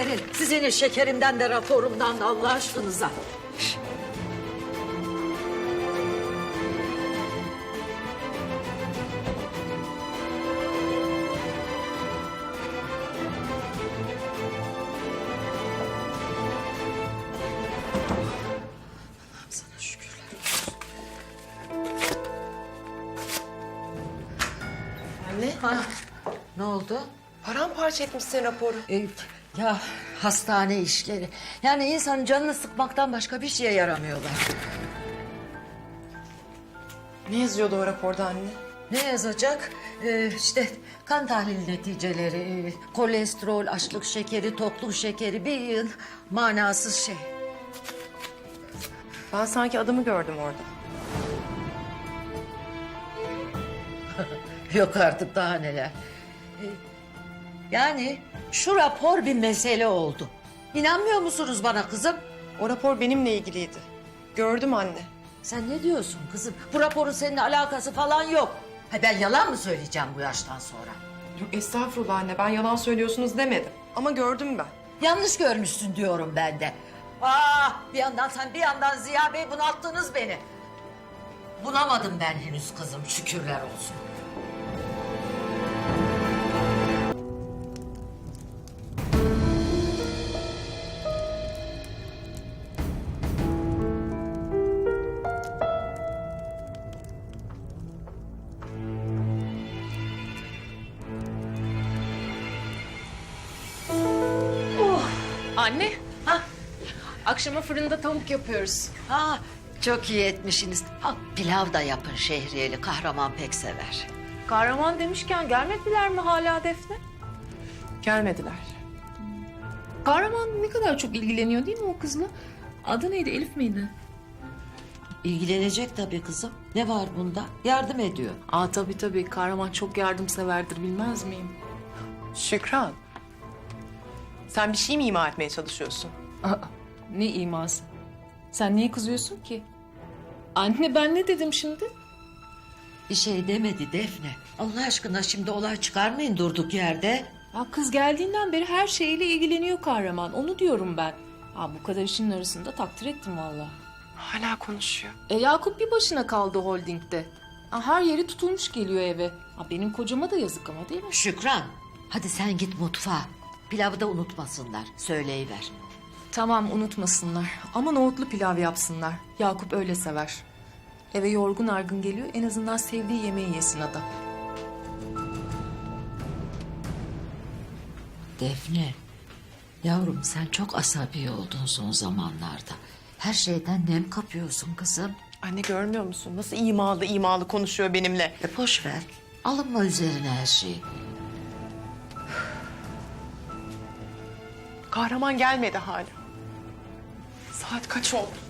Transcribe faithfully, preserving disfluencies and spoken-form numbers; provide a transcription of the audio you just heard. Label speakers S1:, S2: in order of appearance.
S1: verin. Sizin şekerimden de raporumdan da Allah aşkınıza. Sana şükürler olsun.
S2: Anne,
S1: Ha, ne oldu?
S2: paramparça etmişsin raporu.
S1: Ee, ya hastane işleri. Yani insanın canını sıkmaktan başka bir şeye yaramıyorlar.
S2: Ne yazıyordu o raporda anne?
S1: Ne yazacak? Ee, işte kan tahlili neticeleri, e, kolesterol, açlık şekeri, tokluk şekeri, bir yığın manasız şey.
S2: Ben sanki adımı gördüm orada.
S1: Yok artık daha neler. Ee, yani şu rapor bir mesele oldu. İnanmıyor musunuz bana kızım?
S2: O rapor benimle ilgiliydi. Gördüm anne.
S1: Sen ne diyorsun kızım? Bu raporun seninle alakası falan yok. Ha, ben yalan mı söyleyeceğim bu yaştan sonra?
S2: Yok estağfurullah anne, ben yalan söylüyorsunuz demedim. Ama gördüm ben.
S1: Yanlış görmüşsün diyorum ben de. Aa, bir yandan sen bir yandan Ziya Bey bunalttınız beni. Bunamadım ben henüz kızım, şükürler olsun.
S3: Anne, ha? Akşama fırında tavuk yapıyoruz.
S1: Ha, çok iyi etmişsiniz. Ha, pilav da yapın şehriyeli, kahraman pek sever.
S3: Kahraman demişken gelmediler mi hala Defne?
S2: Gelmediler.
S3: Kahraman ne kadar çok ilgileniyor değil mi o kızla? Adı neydi, Elif miydi?
S1: İlgilenecek tabii kızım. Ne var bunda? Yardım ediyor.
S3: Aa tabii tabii, Kahraman çok yardımseverdir, bilmez miyim?
S2: Şükran. Sen bir şey mi ima etmeye çalışıyorsun?
S3: Aa, ne iması? Sen niye kızıyorsun ki? Anne ben ne dedim şimdi?
S1: Bir şey demedi Defne. Allah aşkına şimdi olay çıkarmayın durduk yerde.
S3: Ya kız geldiğinden beri her şeyle ilgileniyor Kahraman, onu diyorum ben. Aa, bu kadar işin arasında takdir ettim vallahi.
S2: Hala konuşuyor.
S3: E Yakup bir başına kaldı holdingde. Aa, her yeri tutulmuş geliyor eve. Aa, benim kocama da yazık ama değil mi?
S1: Şükran, hadi sen git mutfağa. Pilavı da unutmasınlar. Söyleyiver.
S3: Tamam unutmasınlar ama nohutlu pilav yapsınlar. Yakup öyle sever. Eve yorgun argın geliyor, en azından sevdiği yemeği yesin adam.
S1: Defne, yavrum sen çok asabi oldun son zamanlarda. Her şeyden nem kapıyorsun kızım.
S2: Anne görmüyor musun? Nasıl imalı imalı konuşuyor benimle.
S1: E boş ver. Alınma üzerine her şeyi.
S2: Kahraman gelmedi hala. Saat kaç oldu?